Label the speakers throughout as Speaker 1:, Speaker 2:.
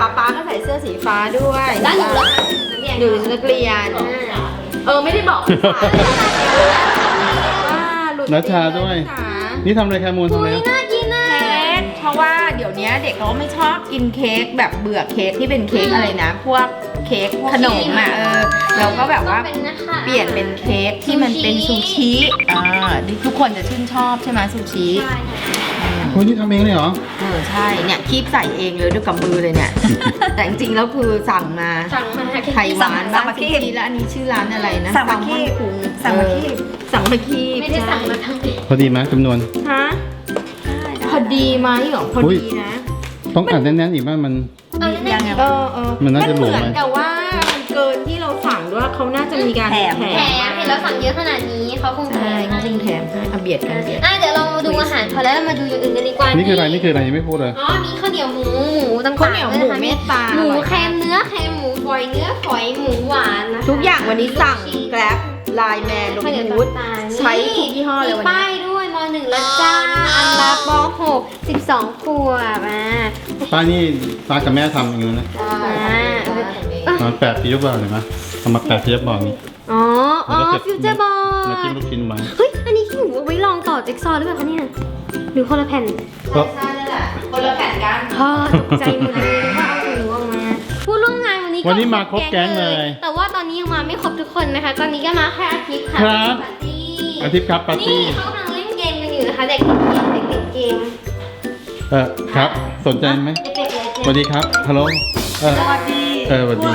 Speaker 1: ป๊าก็ใส่เสื้อสีฟ้าด้วย
Speaker 2: แล้วหนูล่ะ
Speaker 1: หนูนักเรียนไม่ได้บอกว่าหลุด
Speaker 3: นัชชาด้วย นี่ทำอะไรแคมูลทำอะไร
Speaker 2: น่ากินนะ
Speaker 1: เค้กเพราะว่าเดี๋ยวนี้เด็กเขาไม่ชอบกินเค้กแบบเบื่อเค้กที่เป็นเค้กอะไรนะ พวกเค้กขนมอ่ะเราก็แบบว่าเปลี่ยนเป็นเค้กที่มันเป็นซูชิทุกคนจะชื่นชอบใช่ไหมซูชิ
Speaker 3: โอ้ยนี่ทำเองเลยเหรอ
Speaker 1: ใช่เนี่ยคีบใส่เองเลยด้วยกับมือเลยเนี่ย แต่จริงๆแล้วคือสั่งมา ไข่หวานบ้างซูชิแล้วอันนี้ชื่อร้านอะไรนะสั่งมาคีบสั่งมาคีบ
Speaker 2: ไม่ได้สั่งมาทั้งปี
Speaker 3: พอดีไหมจำนวน
Speaker 1: ฮะพอดีไหมหรอพอดีนะ
Speaker 3: ต้องอัดแน่นๆอีกบ้างมัน
Speaker 1: ยังไงมันเหมือนแต่ว่ามันเกินที่เราสั่งด้วยเขาน่าจะมีการแถม
Speaker 2: เห็นเราสั่งเยอะขนาดนี้เขาคงแถม
Speaker 1: เขาคงแถมให้เบียดกันเบียด
Speaker 2: เดี๋ยวเราดูอาหารพอแล้วเรามาดูอย่างอื่นกันดีกว่า
Speaker 3: นี่คืออะไรยังไม่พูดเลย
Speaker 2: มีข้าวเหนียวหมูต่างๆ
Speaker 1: ข้าวเหนียวหมูเมตตา
Speaker 2: หมูแคมเนื้อแคมหมูฝอยเนื้อฝอยหมูหวานนะคะ
Speaker 1: ทุกอย่างวันนี้สั่งแกร็บไลน์แมนลงวูดใช้ทุกยี่ห้อเลยวันนี้
Speaker 2: ป้ายด้วยม.1แล้วจ้าอันลาป.6 12 ขวบ
Speaker 3: ป้านี่ป้ากับแม่ทำอย่างนี้นะมันแปะปี๊บบอกเห็นไหมทำมาแปะปี๊บบอกนี้
Speaker 2: ฟิวเจอร์บอล
Speaker 3: มาจิ้มลูกชิ้นไว้
Speaker 2: เฮ้ยอันนี้ที่หนูเอาไว้ลองต่อจิ๊กซอว์หรือเปล่าคะเนี่ยหรือคนละแผ่น
Speaker 1: ใช่นั่นแหละคนละแผ่นกัน
Speaker 2: พ่อตกใจหมดเลยว่าเอาหนูออกมาผู้ร่วมงานวันนี้
Speaker 3: มาครบแก๊งเลย
Speaker 2: แต่ว่าตอนนี้ยังมาไม่ครบทุกคนนะคะ ตอนนี้ก็มาแค่อาทิตย์ค่ะ
Speaker 3: ครับ
Speaker 2: ปาร์ตี้
Speaker 3: อาทิตย์ครับปาร์ตี้
Speaker 2: นี่เขากำลังเล่นเกมกันอยู่นะคะเด็กติดเกม
Speaker 3: ครับสนใจไหม
Speaker 2: เด็กๆเลย
Speaker 3: สวัสดีครับฮัลโหลสวัสดีสวัสดี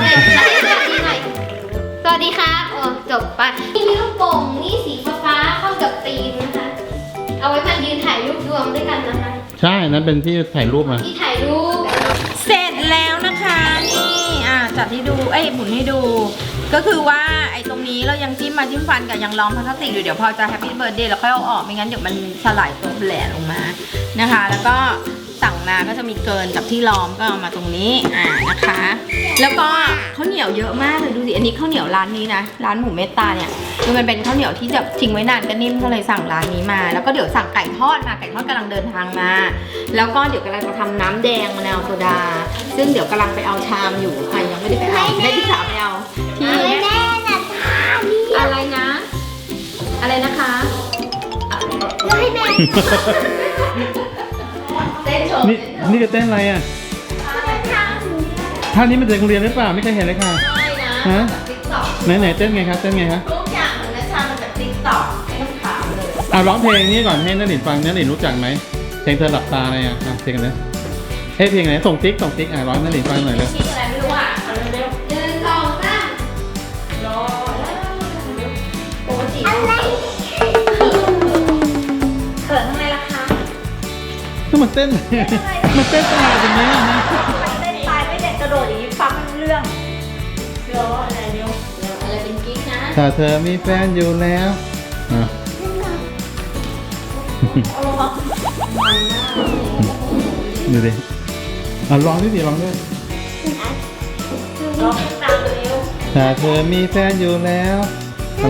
Speaker 2: สวัสดีครับโอ้จบไปนี่มีลูกโป่งนี่สีฟ้าเข้ากับธีมนะคะ เอาไว้มายืนถ่ายรูปรวมด้วยกันนะคะ
Speaker 3: ใช่นั้นเป็นที่ถ่ายรูปมา
Speaker 2: ที่ถ่ายรูป
Speaker 1: เสร็จแล้วนะคะนี่จัดให้ดูหมุนให้ดู ก็คือว่าไอ้ตรงนี้เรายังจิ้มฟันกับยังล้อมพลาสติกอยู่เดี๋ยวพอจะแฮปปี้เบิร์ดเดย์เราค่อยเอาออกไม่งั้นเดี๋ยวมันสลายตัวแหลกลงมานะคะ แล้วก็สั่งมาก็จะมีเกินกับที่ล้อมก็เอามาตรงนี้นะคะ แล้วก็ข้าวเหนียวเยอะมากเลยดูสิอันนี้ข้าวเหนียวร้านนี้นะร้านหมูเมตตาเนี่ยคือมันเป็นข้าวเหนียวที่จะทิ้งไว้นานก็นิ่มก็เลยสั่งร้านนี้มาแล้วก็เดี๋ยวสั่งไก่ทอดมาไก่ทอดกำลังเดินทางมาแล้วก็เดี๋ยวกำลังจะทำน้ำแดงมะนาวโซดาซึ่งเดี๋ยวกำลังไปเอาชามอยู่ค่ะยังไม่ได้ไปเอาได้ที่สามไปเอาที่
Speaker 2: แม่นะนี่
Speaker 1: อะไรนะ อะไรนะคะ
Speaker 2: ให้แม่
Speaker 1: เต้นโชว์
Speaker 3: นี่จะเต้นอะไรอ่ะท่านี้มันเด็กโรงเรียนหรือเปล่าไม่เคยเห็นเลยค่ะ
Speaker 1: ใช่นะ
Speaker 3: ฮะ
Speaker 1: ติ๊กต็อก
Speaker 3: ไหนเต้นไงคะเต้นไงคะ
Speaker 1: ทุกอย่างของนัชชามาจากติ๊กต็อกไม่ต้องถามเลย
Speaker 3: ร้องเพลงนี้ก่อนให้นักหลินฟังนักหลินรู้จักไหมเพลงเธอหลับตาอะไรอ่ะเพลงกันนะเพลงไหนส่งติ๊กร้องนักหลินฟังหน่อยเลย
Speaker 1: ชื่ออะไรไม่รู้อ่ะเอาเร็ว
Speaker 2: 1 2 3
Speaker 1: ๆรอแล้วปกติ
Speaker 2: อะไร
Speaker 1: เขินทำไมล่ะคะ
Speaker 3: ถ้ามันเต้นมันเต้นตลาดอย่างเงี้ยนะ
Speaker 1: เต้นตายไม่เด็กกระโดดอย่างนี้ฟังไม่รู้เรื่องรออะไรเร็วอะไรเป็นกิ๊กนะ
Speaker 3: ถ้าเธอมีแฟนอยู่แล้วดูดิร้องด้วยร้องด้วย
Speaker 1: รอตามเร็ว
Speaker 3: ถ้าเธอมีแฟนอยู่แล้วอะไร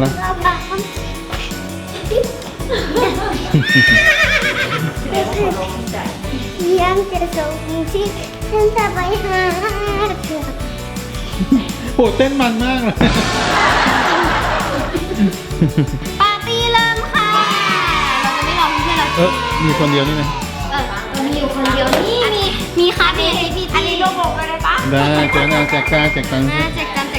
Speaker 2: ยังจะส่งที่ฉันจะไปหาเธอ
Speaker 3: โหเต้นมันมากเลย
Speaker 2: ปาร์ตี้เริ่มค่ะเราจะไม่รอเพื่อนเรา
Speaker 3: มีคนเดียวนี่นะ
Speaker 2: มีอยู่คนเดียวนี่มีค่ะมีพี่อันนี้ลูกบอกเลยปะ
Speaker 3: ได้แจกตังค์แจกตังค์
Speaker 2: แจกกันนี่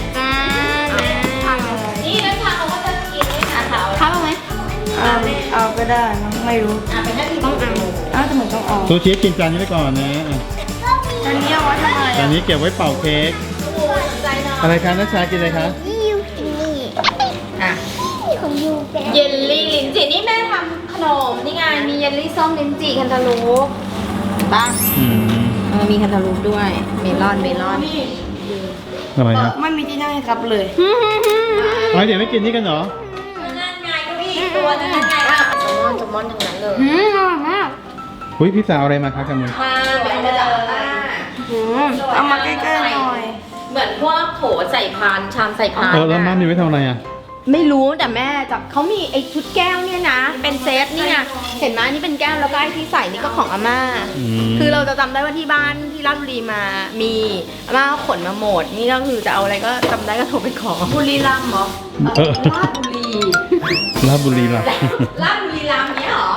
Speaker 2: แล้วค่ะเขาก็จะกินด้วยค่ะเขาเอาไหม
Speaker 1: เอาก็ได้ไม่รู้
Speaker 2: เป็นหน้าที่ต้องเอา
Speaker 1: แต่เหมือนต้องออก
Speaker 3: ซูชิกินจานนี้ไปก่อนนะ
Speaker 1: อันนี้เอาไว้ทำไม
Speaker 3: จานนี้เก็บไว้เป่าเค้กอะไรคะนัชชากินอะไรคะ
Speaker 2: นี่ยูกินนี่
Speaker 1: อ่ะ
Speaker 2: นี่ของยูแก
Speaker 1: เยลลี่ลิ้นจี่นี่แม่ทำขนมนี่ไงมีเยลลี่ส้มลิ้นจี่แคนตาลูปบ้าง มีแคนตาลูปด้วยเมลอน
Speaker 3: อะไรฮะ
Speaker 1: ไม่มีที่นั่งให้ครับเลย
Speaker 3: เดี๋ยวไม่กินนี่กันเหรอ
Speaker 1: นั่นไงก็มีตัวนั่นไงจมอนทั้งนั้นเลย
Speaker 2: อร่อยมาก
Speaker 3: อุ้ยพี่สาวอะไรมาคะกันมือ
Speaker 1: มาเป็นมาจากบ้าน
Speaker 4: เอามาใกล้ๆหน่อย
Speaker 1: เหมือนพวกโถใส่พานชามใส่พาน
Speaker 3: แล้วม่ามีไว้ทำอะไรอ่ะ
Speaker 1: ไม่รู้แต่แม่จะเขามีไอ้ชุดแก้วเนี่ยนะ เป็นเซตนี่ไงเห็นไหมนี่เป็นแก้วแล้วก็ไอ้ที่ใส่นี่ก็ของอาม่า คือเราจะจำได้ว่าที่บ้านที่ราชบุรีมามีอาม่าขนมาหมด นี่ก็คือจะเอาอะไรก็จำได้ก็โทรไปขอบุรีรัมย์เหรอ
Speaker 3: เออ
Speaker 1: ราชบุรี
Speaker 3: ลาดบุรีล่ะ
Speaker 1: ราชบุรีรัมย์เนี้ยเหรอ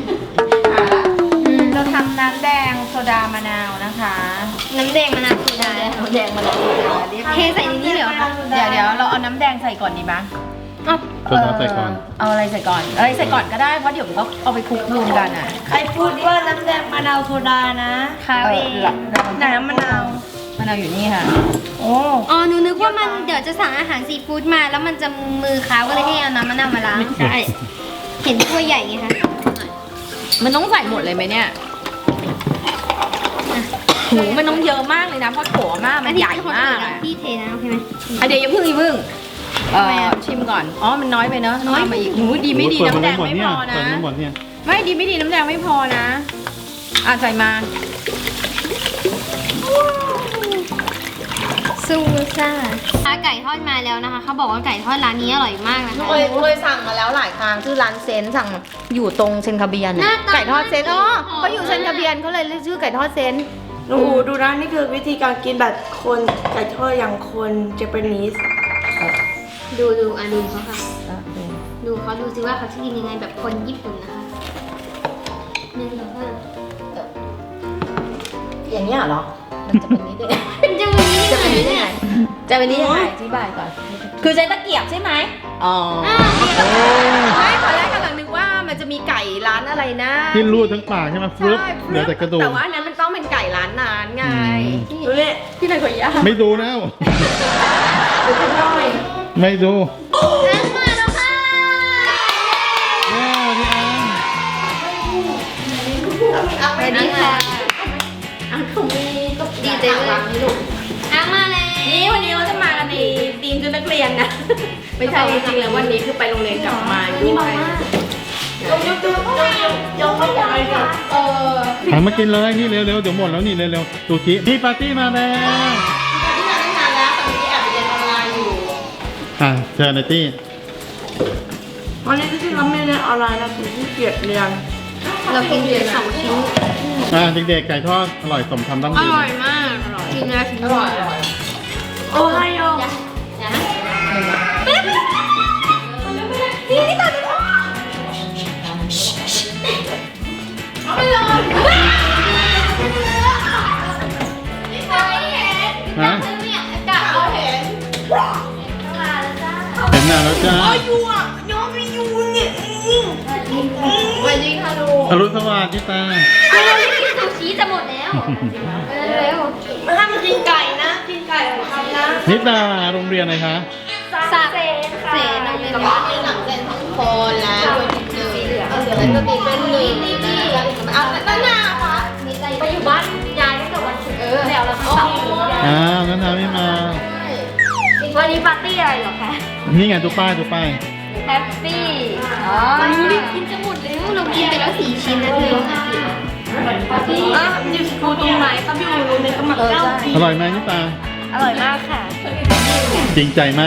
Speaker 1: เราทำน้ำแดงโซดามะนาวนะคะ
Speaker 2: น้ำแดงมะนาวโซดา
Speaker 1: น้ำแดงมะนาวโซดาเรียก
Speaker 2: เทใส่ในนี้เลยเหรอคะ
Speaker 1: เดี๋ยวเราเอาน้ำแดงใส่ก่อนดีมั้ย
Speaker 3: โซดาใส่ก่อน
Speaker 1: เอาอะไรใส่ก่อนอะไรใส่ก่อนก็ได้เพราะเดี๋ยวมันก็เอาไปคลุกรวมกันอ่ะ
Speaker 4: ใครพูดว่าน้ำแดงมะนาวโซดานะ
Speaker 2: ค่ะเอง
Speaker 4: น้ำมะนาว
Speaker 1: มะนาวอยู่นี่ค่ะ
Speaker 4: โอ้
Speaker 2: อ๋อหนูนึกว่ามันเดี๋ยวจะสั่งอาหารซีฟู้ดมาแล้วมันจะมือค้าวก็เลยให้เอาน้ำมะนาวมาล้าง
Speaker 1: ใช่
Speaker 2: เห็นถ้วยใหญ่ไงคะ
Speaker 1: มันต้องใส่หมดเลยไหมเนี่ยหูมันต้องเยอะมากเลยนะเพราะโถมากมันใหญ่มากอะ
Speaker 2: พี่เทน้ำใช่ไหม
Speaker 1: อ่ะเดี๋ยวอย่าเพิ่งชิมก่อนอ๋อมันน้อยไปเนอะน้อยมาอีกหูดีไม่ดี
Speaker 3: เปิ
Speaker 1: น้ำแดง
Speaker 3: หม
Speaker 1: ไม่
Speaker 3: เนี่
Speaker 1: พ
Speaker 3: ย
Speaker 1: อนะ
Speaker 3: เปิดหมดเนี่ย
Speaker 1: ไม่ดีไม่ดีน้ำแดงไม่พอนะอ่ะใส่มา
Speaker 2: ซูซ่าไก่ทอดมาแล้วนะคะเขาบอกว่าไก่ทอดร้านนี้อร่อยมากนะคะ
Speaker 1: เคยสั่งมาแล้วหลายครั้งชื่อร้านเซนสั่งอยู่ตรงเซนคาเบียน
Speaker 2: หน้าตา
Speaker 1: ไก่ทอดเซนอ๋อเขาอยู่เซนคาเบียนเขาเลยเรียกชื่อไก่ทอดเซน
Speaker 4: หนูดูนะนี่คือวิธีการกินแบบคนไก่ทอดอย่างคนเจแปนิส
Speaker 2: ดูอ่ะดูเขาค่ะ ดูเขาดูสิว่าเขาจะกินยังไงแบบคนญี่ปุ่นนะคะหนึ่งสองสาม
Speaker 1: อย่างนี้ยเหรอมันจะเป็นนี้ได้ไง
Speaker 2: เป็นจังเลยนี่
Speaker 1: จะเป็นนี้ได้
Speaker 2: เนี่ย
Speaker 1: ไงจะเป็นนี้ยังไงอธิบายก่อน คือใช้ตะเกียบใช่ไหมอ๋อ
Speaker 2: อ้าว
Speaker 1: ไม่ตอนแรกกำลังนึกว่ามันจะมีไก่ร้านอะไรนะ
Speaker 3: ที่รูดทั้งปากใช่ไหมฟลุ๊บเหลือแต่กระดูก
Speaker 1: แต่ว่าอันนั้นมันต้องเป็นไก่ร้านนานไง
Speaker 4: ดูนี่
Speaker 1: ที่ไหนขอยย่า
Speaker 3: ไม่ดูแล้ว
Speaker 1: ดูข้างนอก
Speaker 3: ไม่ดู
Speaker 2: ล้างมาแล้วค่ะ
Speaker 3: ว้าวพี่อัง
Speaker 1: เอาไปดีค่ะอังคุมีก็
Speaker 2: ดีใจเลยล้างมาแล้ว
Speaker 1: นี่วันนี้เราจะมากันในทีมชุดนักเรียนนะ ไม่ใช่จริงๆแล้ววันนี้คือไปโรงเรียนกลับมาด้วย
Speaker 4: ยังไม่ตายค่ะ
Speaker 1: เออ
Speaker 3: หันมากินเลยนี่เร็วๆเดี๋ยวหมดแล้วนี่เร็วๆซูชิพี่ปาร์ตี้มาแล้ว
Speaker 1: ที่มาตั้งนานแล้วตอนนี้แอบไปเรียนออนไลน์อยู่
Speaker 3: เชิญนายตี้
Speaker 4: วันนี้ที่ทำไม่ได้ออนไลน์นะคือที่เกียจเรียน
Speaker 2: เรากินไปสองชิ้น
Speaker 3: เด็กๆไก่ทอดอร่อยสมคำตั้ง
Speaker 2: อ
Speaker 3: ยืน
Speaker 2: ร่อยมากกินแล้ว
Speaker 1: อร่อย
Speaker 4: โอ้ไฮโอ
Speaker 2: นี่ตัดไม่เลย
Speaker 3: ฮะ
Speaker 2: เนี่ยกะเราเห็น
Speaker 3: เห็นหน้าแล้วจ้า
Speaker 4: ยูอ่ะยอมไม่ยูเนี่ย
Speaker 1: วันนี้ค่ะลูก
Speaker 3: อรุณสวัสดิ์พี่ตา
Speaker 2: เราไม่กินซูชิจะหมดแล้วเร็ว
Speaker 4: ไม่ห้ามกินไก่นะ กินไก่ของเขานะ
Speaker 3: นิตาโรงเรียนอะไรคะ
Speaker 2: สับเสนเรียนว่า
Speaker 1: มีหลังเซนทั้งคนแล้วสีเหลืองเดี๋ยวมันจะมีเป็นหนึ่งเอาตั้งหน้าค่ะ
Speaker 2: ไปอยู่บ้านยายตั้งแต่วันศุกร์แล้วเราต้อง
Speaker 3: งั้นทำไม่มา
Speaker 2: วันนี้ปาร์ตี้อะไรเหรอคะ
Speaker 3: นี่ไงดูป้ายดูป้าย
Speaker 2: แฮปปี้อ๋อรีบกินจะหมดแล้วเรากินไปแล้ว4 ชิ้นนะเธอ
Speaker 4: อ่ะอยู่สกูตรงไหนครับอยู่โรงเรียนกำลังเก้า
Speaker 3: อร่อยไหมนิตา
Speaker 2: อร่อยมากค่ะ
Speaker 3: จริงใจมาก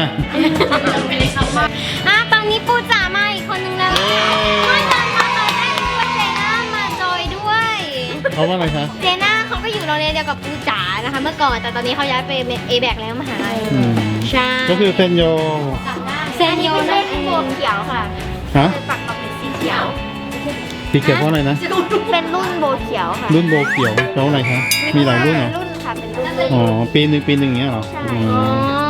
Speaker 2: ตอนนี้ปูจ๋ามาอีกคนนึงแล้วไม่ตอนมาเราได้รู้ว่าเจน่ามาจอยด้วย
Speaker 3: เพราะว่าอะไรคะ
Speaker 2: เจน่าเขาก็อยู่โรงเรียนเดียวกับปูจ๋านะคะ เมื่อก่อนแต่ตอนนี้เขาย้ายไปเอแบกแล้วมหาลัย
Speaker 3: อืม
Speaker 2: ใช่
Speaker 3: ก็คือเซนโย
Speaker 2: เซนโยนะโบเขียวค่ะ
Speaker 3: ฮะ
Speaker 2: ปักกับเป็นสีเขียว
Speaker 3: สีเขียวเพราะอะไรนะ
Speaker 2: เป็นรุ่นโบเขียวค่ะ
Speaker 3: รุ่นโบเขียวเพราะอะไรคะ มีหลายรุ่นเหรอ
Speaker 2: รุ่นค่ะเป็นรุ่น
Speaker 3: อ๋อ ปีหนึ่งอย่างเงี้ยเหรอ
Speaker 2: ใช่
Speaker 3: อืม